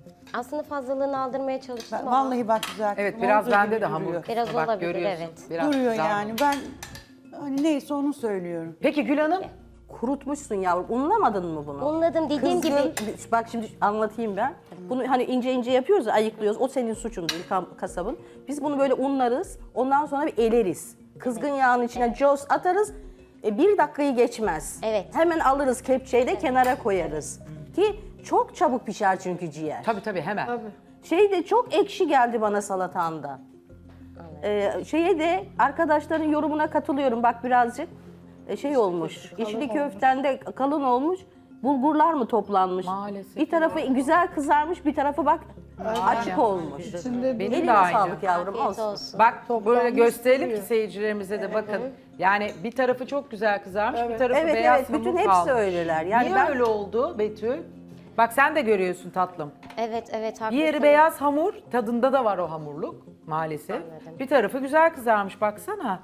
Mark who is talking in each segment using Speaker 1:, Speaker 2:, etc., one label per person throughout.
Speaker 1: Aslında fazlalığını aldırmaya çalıştım ama
Speaker 2: Vallahi bak güzel.
Speaker 3: Evet
Speaker 2: kızım,
Speaker 3: biraz
Speaker 2: olduğu
Speaker 3: bende
Speaker 2: gibi
Speaker 3: de hamur.
Speaker 2: duruyor.
Speaker 1: Biraz
Speaker 3: Bak,
Speaker 1: olabilir,
Speaker 3: görüyorsun.
Speaker 1: evet.
Speaker 3: Biraz
Speaker 2: Duruyor
Speaker 3: güzel
Speaker 2: yani.
Speaker 3: hamur.
Speaker 2: Ben hani neyse onu söylüyorum.
Speaker 3: Peki Gül Hanım?
Speaker 4: Kurutmuşsun yavrum. Unlamadın mı bunu?
Speaker 1: unladım dediğim gibi
Speaker 4: Bak şimdi anlatayım ben. Bunu hani ince ince yapıyoruz ya, ayıklıyoruz. O senin suçun değil, kasabın. Biz bunu böyle unlarız. Ondan sonra bir eleriz. Kızgın yağın içine coz atarız. Bir dakikayı geçmez.
Speaker 1: Evet.
Speaker 4: Hemen alırız kepçeyle kenara koyarız. Ki çok çabuk pişer çünkü ciğer.
Speaker 3: Tabii hemen.
Speaker 4: Şey de çok ekşi geldi bana salatanda. Şeye de arkadaşların yorumuna katılıyorum. Bak birazcık şey olmuş. İçli köften de kalın olmuş. Bulgurlar mı toplanmış?
Speaker 3: Maalesef.
Speaker 4: Bir tarafı güzel kızarmış, bir tarafı bak açık olmuş.
Speaker 3: Benim de
Speaker 4: Eline
Speaker 3: aynı.
Speaker 4: sağlık yavrum.
Speaker 1: afiyet
Speaker 4: Olsun.
Speaker 1: olsun.
Speaker 3: Bak böyle gösterelim ki seyircilerimize de bakın. Yani bir tarafı çok güzel kızarmış, bir tarafı
Speaker 4: Evet
Speaker 3: beyaz
Speaker 4: evet,
Speaker 3: hamur
Speaker 4: bütün hepsi
Speaker 3: kalmış.
Speaker 4: öyleler. Yani
Speaker 3: Niye
Speaker 4: ben
Speaker 3: öyle oldu Betül? Bak sen de görüyorsun tatlım.
Speaker 1: evet haklısın.
Speaker 3: Bir yeri beyaz hamur, tadında da var o hamurluk maalesef. Bir tarafı güzel kızarmış baksana.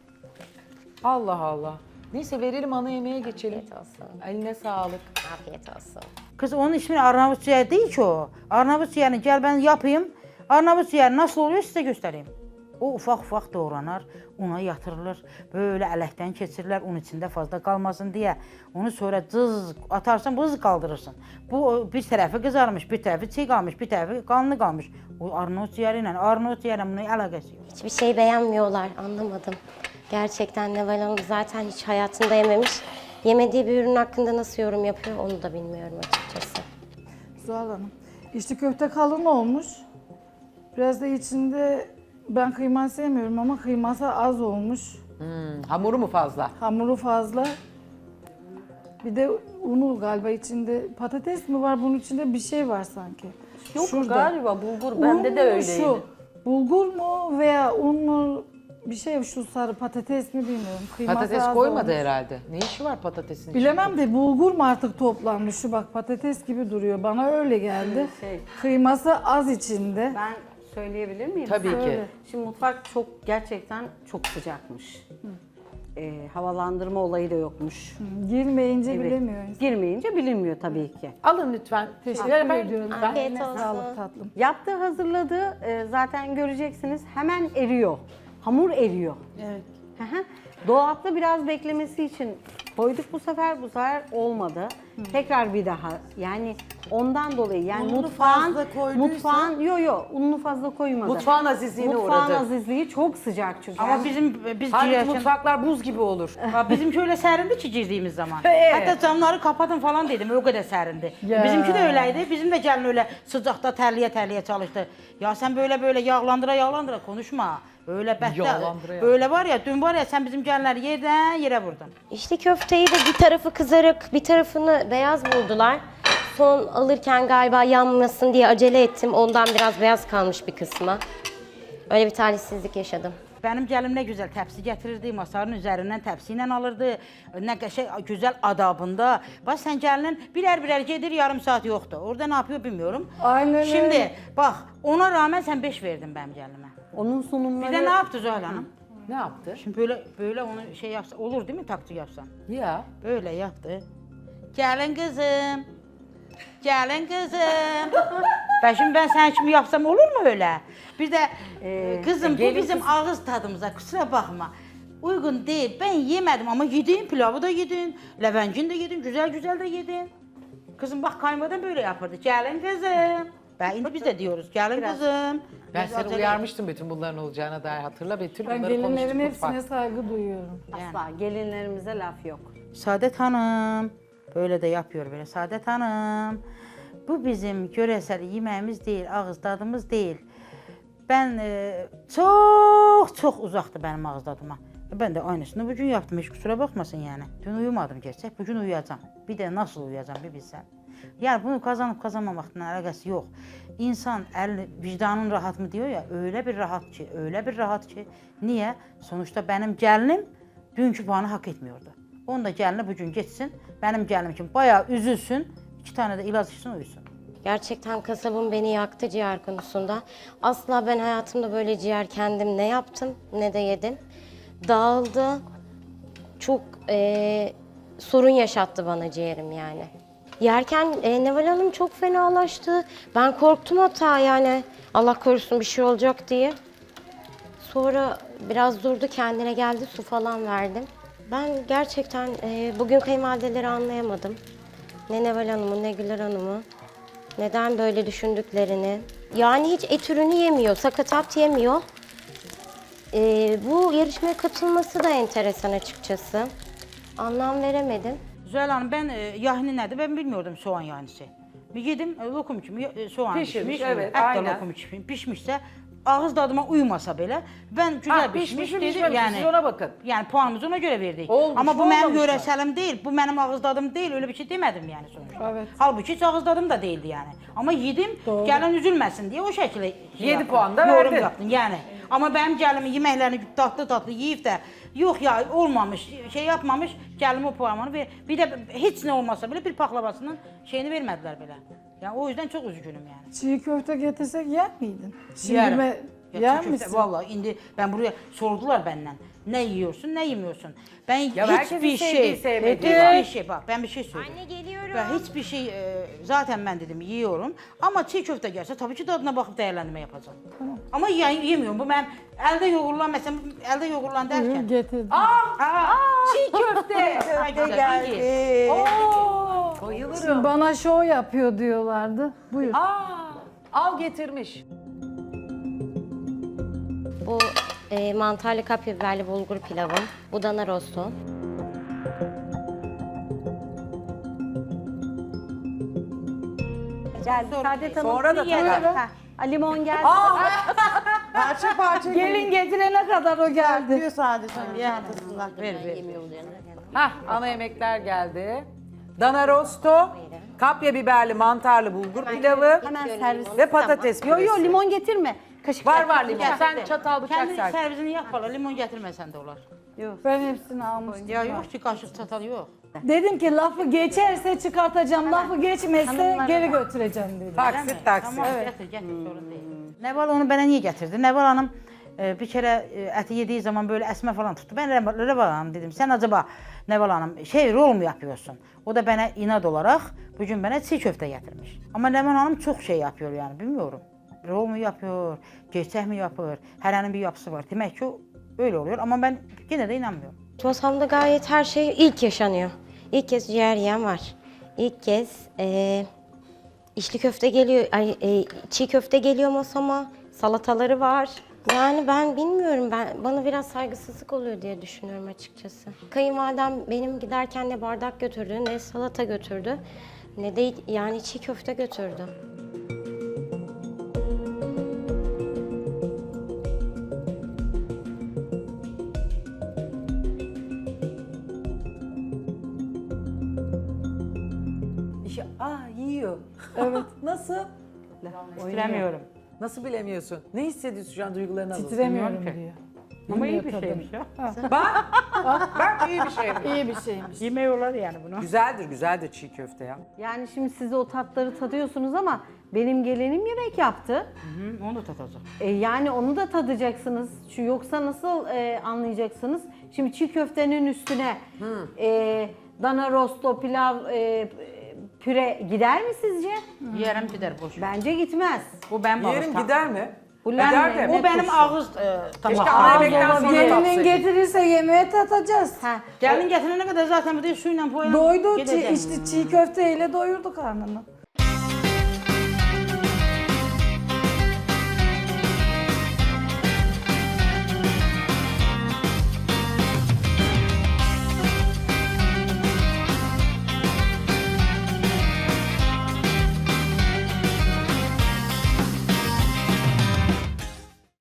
Speaker 3: Allah Allah. Neyse verelim ana yemeğe geçelim.
Speaker 1: Afiyet olsun.
Speaker 3: Eline sağlık.
Speaker 1: Afiyet olsun.
Speaker 5: Kız onun ismi Arnavut ciğer değil ki o. Arnavut ciğerini gel ben yapayım. Arnavut ciğer nasıl oluyor size göstereyim. O ufak doğranar, una yatırılır. Böyle ələkdən keçirilir, un içində fazla qalmasın diye. Onu sonra cız atarsan, bız kaldırırsın. Bu bir tərəfi kızarmış, bir tərəfi çiğ qalmış, bir tərəfi qanlı qalmış. O Arnavut ciğeri ilə, Arnavut ciğerlə bunun əlaqəsi yox.
Speaker 1: Hiçbir şey beğenmiyorlar, anlamadım. Gerçekten Neval Hanım zaten hiç hayatında yememiş. Yemediği bir ürün hakkında nasıl yorum yapıyor onu da bilmiyorum açıkçası.
Speaker 6: Zuhal Hanım, içli köfte kalın olmuş. Biraz da içinde, ben kıyma sevmiyorum ama kıyması az olmuş.
Speaker 3: Hamuru mu fazla?
Speaker 6: Hamuru fazla. Bir de unu galiba içinde, patates mi var bunun içinde bir şey var sanki.
Speaker 4: yok
Speaker 6: Şurada.
Speaker 4: galiba bulgur, bende
Speaker 6: Un
Speaker 4: de
Speaker 6: mu
Speaker 4: öyleydi.
Speaker 6: şu, bulgur mu veya un mu bir şey, şu sarı patates mi bilmiyorum. Kıyması
Speaker 3: Patates
Speaker 6: az
Speaker 3: koymadı
Speaker 6: olmuş.
Speaker 3: herhalde. Ne işi var patatesin
Speaker 6: Bilemem de bulgur mu artık toplanmış, şu bak patates gibi duruyor, bana öyle geldi. Kıyması az içinde.
Speaker 7: Ben söyleyebilir miyim?
Speaker 3: Tabii ki.
Speaker 6: Söyle.
Speaker 7: Şimdi mutfak gerçekten çok sıcakmış. Havalandırma olayı da yokmuş.
Speaker 6: Girmeyince
Speaker 7: Evet.
Speaker 6: bilemiyor insan.
Speaker 7: Girmeyince bilinmiyor tabii ki.
Speaker 3: Alın lütfen.
Speaker 6: Teşekkür
Speaker 3: Ben-
Speaker 6: ediyorum.
Speaker 1: Afiyet
Speaker 6: Eline
Speaker 1: olsun.
Speaker 6: sağlık tatlım.
Speaker 7: Yaptığı hazırladığı zaten göreceksiniz hemen eriyor. Hamur eriyor.
Speaker 2: Evet.
Speaker 7: Hı hı. Dolapta biraz beklemesi için koyduk bu sefer olmadı. Tekrar bir daha yani ondan dolayı yani
Speaker 2: Ununu
Speaker 7: mutfağın
Speaker 2: fazla koyduysa-
Speaker 7: ununu fazla koymadı.
Speaker 3: Mutfağın azizliğine
Speaker 7: Mutfağın
Speaker 3: uğradı.
Speaker 7: azizliği çok sıcak çünkü.
Speaker 5: Ama biz
Speaker 3: Halbuki
Speaker 5: girerken...
Speaker 3: mutfaklar buz gibi olur.
Speaker 5: Bizimki öyle sərindi ki girdiğimiz zaman.
Speaker 3: Evet.
Speaker 5: Hatta camları kapatın falan dedim, o kadar sərindi.
Speaker 6: Ya.
Speaker 5: Bizimki de öyleydi. Bizim de gelin öyle sıcakta terliye çalıştı. Ya sen böyle yağlandıra konuşma. Öyle
Speaker 3: Yağlandıra.
Speaker 5: Böyle var ya, dün var ya sen bizim gelinleri yerden yere vurdun.
Speaker 1: İçli köfteyi de bir tarafı kızarık, bir tarafını beyaz buldular. Son alırken galiba yanmasın diye acele ettim. Ondan biraz beyaz kalmış bir kısmı. Öyle bir talihsizlik yaşadım.
Speaker 5: Benim gəlim ne güzel tepsi getirirdi, masanın üzerinden tepsiyle alırdı. Ne güzel adabında. Bak sen gelinin birer gedir, yarım saat yoktu. Orada ne yapıyor bilmiyorum.
Speaker 6: Aynen öyle.
Speaker 5: Şimdi bak ona rağmen sen 5 verdin benim gelinime.
Speaker 7: Onun
Speaker 5: Bir
Speaker 7: sunumları
Speaker 5: de ne yaptı Zuhal Hanım?
Speaker 3: Ne yaptı?
Speaker 5: Şimdi böyle onu şey yapsa olur değil mi, taktik yapsan?
Speaker 3: Ya.
Speaker 5: Böyle yaptı. Gelin kızım. Gelin kızım. Şimdi ben sen şimdi yapsam olur mu öyle? Bir de kızım bu
Speaker 3: gelin
Speaker 5: bizim ağız tadımıza, kusura bakma. Uygun değil. Ben yemedim ama yedin, pilavı da yedin, levencin de yedin, güzel de yedin. Kızım bak kaymadan böyle yapardı. Gelin kızım. Şimdi biz de diyoruz gelin kızım.
Speaker 3: Ben
Speaker 5: Biz
Speaker 3: seni
Speaker 5: acele-
Speaker 3: uyarmıştım bütün bunların olacağına dair. Hatırla Betül,
Speaker 6: Ben
Speaker 3: bunları konuştuk
Speaker 6: gelinlerin hepsine
Speaker 3: mutfakta.
Speaker 6: saygı duyuyorum.
Speaker 7: asla gelinlerimize laf yok.
Speaker 5: Saadet Hanım, böyle de yapıyor böyle. Saadet Hanım, bu bizim göresel yemeğimiz değil, ağız tadımız değil. Ben çok uzaktı benim ağız tadıma. Ben de aynısını bugün yaptım, hiç kusura bakmasın yani. Dün uyumadım gerçek, bugün uyuyacağım. Bir de nasıl uyuyacağım bir bilsen. Yani bunu kazanıp kazanmamakla alakası yok. İnsan vicdanın rahat mı diyor ya, öyle bir rahat ki. Niye? Sonuçta benim gelinim dünkü puanı hak etmiyordu. Onun da gelini bugün geçsin, benim gelinim için bayağı üzülsün, 2 tane de ilaç içsin uyusun.
Speaker 1: Gerçekten kasabım beni yaktı ciğer konusunda. Asla ben hayatımda böyle ciğer kendim ne yaptım ne de yedim. Dağıldı. Çok sorun yaşattı bana ciğerim yani. Yerken Neval Hanım çok fenalaştı. Ben korktum hatta yani Allah korusun bir şey olacak diye. Sonra biraz durdu, kendine geldi, su falan verdim. Ben gerçekten bugün kayınvalideleri anlayamadım. Ne Neval Hanım'ı ne Güler Hanım'ı. Neden böyle düşündüklerini. Yani hiç et ürünü yemiyor, sakatat yemiyor. Bu yarışmaya katılması da enteresan açıkçası. Anlam veremedim.
Speaker 5: Zühal Hanım ben yahni nedir ben bilmiyordum soğan yahnisi. Bir yedim lokum kimi soğan
Speaker 3: Pişirmiş,
Speaker 5: pişmiş.
Speaker 3: evet,
Speaker 5: Et de
Speaker 3: aynen.
Speaker 5: lokum kimi pişmişse ağız tadıma uymasa bile ben güzel
Speaker 3: Ha, pişmiş
Speaker 5: pişmiş
Speaker 3: mi,
Speaker 5: dedim
Speaker 3: pişmemiş mi?
Speaker 5: yani.
Speaker 3: Siz ona bakın.
Speaker 5: Yani puanımızı ona göre verdik.
Speaker 3: Olmuş
Speaker 5: Ama
Speaker 3: mu,
Speaker 5: bu benim
Speaker 3: olmamış mı?
Speaker 5: yöreselim değil, bu benim ağız tadım değil, öyle bir şey demedim yani sonuçta.
Speaker 6: Evet.
Speaker 5: Halbuki hiç ağız tadım da değildi yani. Ama yedim, gelin üzülmesin diye o şekilde şey
Speaker 3: 7
Speaker 5: yaptım,
Speaker 3: puan da
Speaker 5: yorum
Speaker 3: verdin.
Speaker 5: yaptım yani. Ama benim gelimin yemeklerini tatlı tatlı yiyip de yok ya olmamış, şey yapmamış, gelim o puanını ver. Bir de hiç ne olmasa bile bir paklavasının şeyini vermediler bile. Yani o yüzden çok üzgünüm yani.
Speaker 6: Çiğ köfte getirsek yer miydin? Şimdi
Speaker 5: Yerim.
Speaker 6: yer
Speaker 5: Ya çiğ köfte,
Speaker 6: misin?
Speaker 5: vallahi indi ben buraya sordular benden. Ne yiyorsun, ne yemiyorsun? Ben
Speaker 3: Ya herkesin
Speaker 5: hiçbir
Speaker 3: sevdiği,
Speaker 5: şey,
Speaker 3: sevmediği
Speaker 5: hiçbir şey bak ben bir şey söyleyeyim.
Speaker 1: Anne geliyorum.
Speaker 5: Ben hiçbir şey zaten ben dedim yiyorum ama çiğ köfte gelse tabii ki tadına bakıp değerlendirme yapacağım. Ama yemiyorum. Bu ben elde yoğurulan mesela elde yoğurulan derken.
Speaker 6: Getirdim.
Speaker 3: Çiğ köfte.
Speaker 5: Köfte geldi.
Speaker 3: Oo, bayılırım.
Speaker 6: Bana şov yapıyor diyorlardı. Buyur.
Speaker 3: Al getirmiş.
Speaker 1: Bu mantarlı kapya biberli bulgur pilavım. Bu dana rostu.
Speaker 7: Geldi. Saadet Hanım.
Speaker 3: Sonra da
Speaker 7: yiyelim.
Speaker 3: tabii.
Speaker 7: Ha, limon geldi.
Speaker 2: Parça parça
Speaker 6: Gelin getirene kadar o geldi.
Speaker 2: diyor sadece.
Speaker 5: Yani ver ver.
Speaker 3: Hah, ana yemekler geldi. Dana rosto, kapya biberli mantarlı bulgur pilavı
Speaker 7: Hemen servis.
Speaker 3: ve patates
Speaker 7: Yo
Speaker 3: püresi.
Speaker 7: yo limon getirme. Kaşık
Speaker 3: Var
Speaker 7: ver.
Speaker 3: var limon. Sen çatal bıçak
Speaker 5: Kendi
Speaker 3: ser.
Speaker 5: servisini yap bana limon getirmesen de olur.
Speaker 6: Ben hepsini almıştım.
Speaker 5: Ya yok ki kaşık çatal yok.
Speaker 6: Dedim ki lafı geçerse çıkartacağım, lafı geçmezse geri götüreceğim dedim.
Speaker 3: Taksit taksit.
Speaker 5: Tamam getir getir sorun değil. Neval onu bana niye getirdi? Neval Hanım bir kere eti yediği zaman böyle esme falan tuttu. Ben Neval Hanım dedim sen acaba Neval Hanım şey rol mu yapıyorsun? O da bana inat olarak bugün bana çiğ köfte getirmiş. Ama Neval Hanım çok şey yapıyor yani bilmiyorum. Rol mu yapıyor, gerçek mi yapıyor? Her bir yapısı var. Demek ki öyle oluyor ama ben yine de inanmıyorum.
Speaker 1: Masamda gayet her şey ilk yaşanıyor. İlk kez ciğer yiyen var. İlk kez içli köfte geliyor, çiğ köfte geliyor masama. Salataları var. Yani ben bilmiyorum, bana biraz saygısızlık oluyor diye düşünüyorum açıkçası. Kayınvalidem benim giderken ne bardak götürdü, ne salata götürdü, ne de yani çiğ köfte götürdü.
Speaker 3: Yiyor. Evet. Nasıl?
Speaker 5: Bilemiyorum.
Speaker 3: Nasıl bilemiyorsun? Ne hissediyorsun şu an, duygularını alalım.
Speaker 6: Titremiyorum diyor.
Speaker 5: Ama iyi bir şeymiş ya.
Speaker 3: Bak iyi bir şey.
Speaker 6: İyi bir şeymiş.
Speaker 5: Yemeyorlar yani bunu.
Speaker 3: Güzeldir, güzeldir çiğ köfte ya.
Speaker 7: Yani şimdi siz o tatları tadıyorsunuz ama benim gelinim yemek yaptı.
Speaker 5: Hı, onu da tatacağım.
Speaker 7: Yani onu da tadacaksınız. Yoksa nasıl anlayacaksınız? Şimdi çiğ köftenin üstüne dana rosto, pilav, püre gider mi sizce?
Speaker 5: Yerim gider boş.
Speaker 7: Bence gitmez.
Speaker 5: Bu benim ağız
Speaker 3: Yerim
Speaker 5: tadım.
Speaker 3: gider mi?
Speaker 7: Bu
Speaker 3: Gider
Speaker 7: lamme,
Speaker 3: de.
Speaker 5: Bu benim ağız
Speaker 3: Keşke
Speaker 5: tabağı.
Speaker 3: ana yemekten sonra
Speaker 6: Gelinin
Speaker 3: yapsaydın.
Speaker 6: getirirse yemeğe tatacağız.
Speaker 7: Ha,
Speaker 5: Gelin getirene kadar zaten bir de suyla boyayalım.
Speaker 6: Doydu,
Speaker 5: Gideceğim.
Speaker 6: çiğ köfteyle doyurdu karnını.